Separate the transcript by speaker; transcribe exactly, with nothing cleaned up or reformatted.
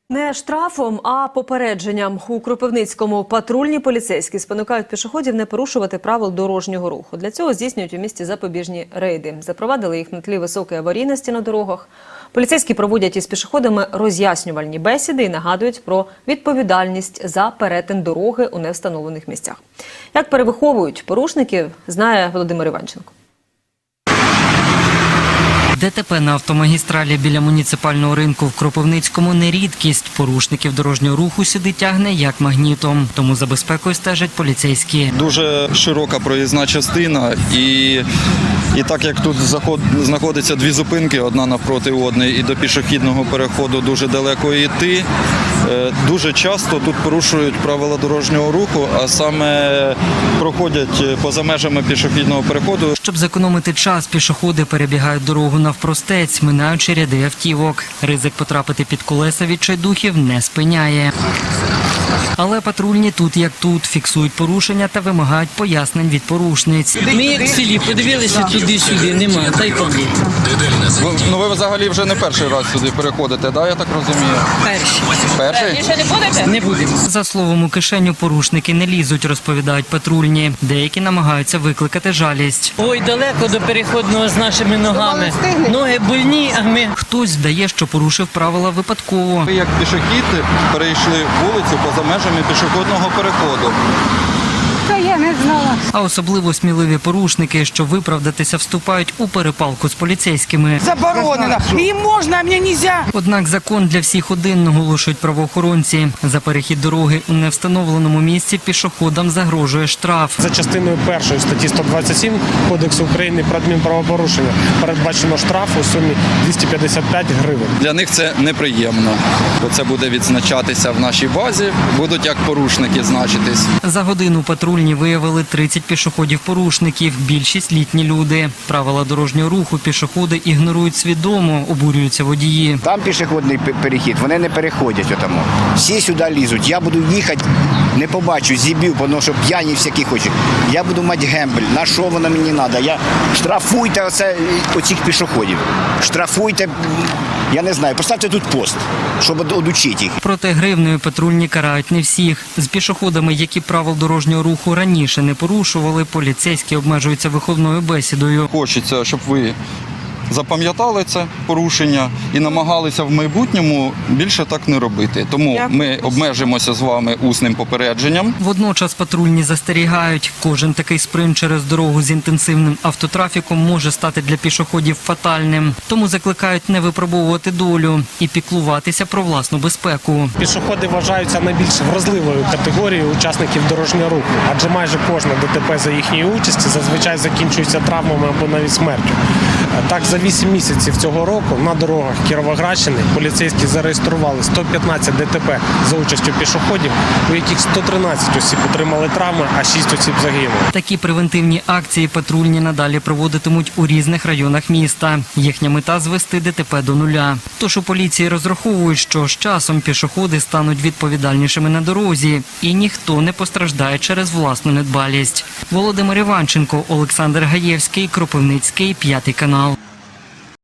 Speaker 1: Не штрафом, а попередженням. У Кропивницькому патрульні поліцейські спонукають пішоходів не порушувати правил дорожнього руху. Для цього здійснюють у місті запобіжні рейди. Запровадили їх на тлі високої аварійності на дорогах. Поліцейські проводять із пішоходами роз'яснювальні бесіди і нагадують про відповідальність за перетин дороги у невстановлених місцях. Як перевиховують порушників, знає Володимир Іванченко.
Speaker 2: ДТП на автомагістралі біля муніципального ринку в Кропивницькому не рідкість. Порушників дорожнього руху сюди тягне як магнітом. Тому за безпекою стежать поліцейські.
Speaker 3: Дуже широка проїзна частина і, і так як тут заход, знаходиться дві зупинки, одна навпроти одної, і до пішохідного переходу дуже далеко йти, дуже часто тут порушують правила дорожнього руху, а саме проходять поза межами пішохідного переходу.
Speaker 2: Щоб зекономити час, пішоходи перебігають дорогу навпростець, минаючи ряди автівок. Ризик потрапити під колеса відчайдухів не спиняє. Але патрульні тут як тут, фіксують порушення та вимагають пояснень від порушниць.
Speaker 4: Ми як в селі подивилися туди-сюди, немає, та й помні.
Speaker 3: Ви, ну ви взагалі вже не перший раз сюди переходите, да, я так розумію?
Speaker 4: Перші.
Speaker 3: Перший?
Speaker 4: Ще не будете? Не будемо.
Speaker 2: За словом, у кишеню порушники не лізуть, розповідають патрульні. Деякі намагаються викликати жалість.
Speaker 4: Ой, далеко до переходного з нашими ногами. Ноги больні, а ми...
Speaker 2: Хтось вдає, що порушив правила випадково.
Speaker 3: Ви як пішохід перейшли вулицю поза межами пішохідного переходу.
Speaker 5: Та я не знала.
Speaker 2: А особливо сміливі порушники, що виправдатися вступають у перепалку з поліцейськими.
Speaker 5: Заборонено. Їм можна, а мені нельзя.
Speaker 2: Однак закон для всіх один, наголошують правоохоронці. За перехід дороги у невстановленому місці пішоходам загрожує штраф.
Speaker 6: За частиною першої статті сто двадцять сім Кодексу України про адмінправопорушення передбачено штраф у сумі двісті п'ятдесят п'ять гривень.
Speaker 3: Для них це неприємно, бо це буде відзначатися в нашій базі, будуть як порушники значитись.
Speaker 2: За годину патрульні виявили тридцять пішоходів-порушників, більшість літні люди. Правила дорожнього руху пішоходи ігнорують свідомо, обурюються водії.
Speaker 7: Там пішохідний перехід, вони не переходять отому. Всі сюди лізуть. Я буду їхати, не побачу, зіб'ю, тому що п'яні всякі хочуть. Я буду мати гембель, на що воно мені треба? Я... Штрафуйте оце, оцих пішоходів. Штрафуйте, я не знаю, поставте тут пост, щоб одучити їх.
Speaker 2: Проте гривнею патрульні карають не всіх. З пішоходами, які правил дорожнього руху раніше не порушували, поліцейські обмежуються виховною бесідою.
Speaker 3: Хочеться, щоб ви запам'ятали це порушення і намагалися в майбутньому більше так не робити. Тому ми обмежимося з вами усним попередженням.
Speaker 2: Водночас патрульні застерігають, кожен такий спринт через дорогу з інтенсивним автотрафіком може стати для пішоходів фатальним. Тому закликають не випробовувати долю і піклуватися про власну безпеку.
Speaker 6: Пішоходи вважаються найбільш вразливою категорією учасників дорожнього руху, адже майже кожне ДТП за їхньої участі зазвичай закінчується травмами або навіть смертю. Так, за вісім місяців цього року на дорогах Кіровоградщини поліцейські зареєстрували сто п'ятнадцять ДТП за участю пішоходів, у яких сто тринадцять осіб отримали травми, а шість осіб загинули.
Speaker 2: Такі превентивні акції патрульні надалі проводитимуть у різних районах міста. Їхня мета – звести ДТП до нуля. Тож у поліції розраховують, що з часом пішоходи стануть відповідальнішими на дорозі і ніхто не постраждає через власну недбалість. Володимир Іванченко, Олександр Гаєвський, Кропивницький, п'ятий канал.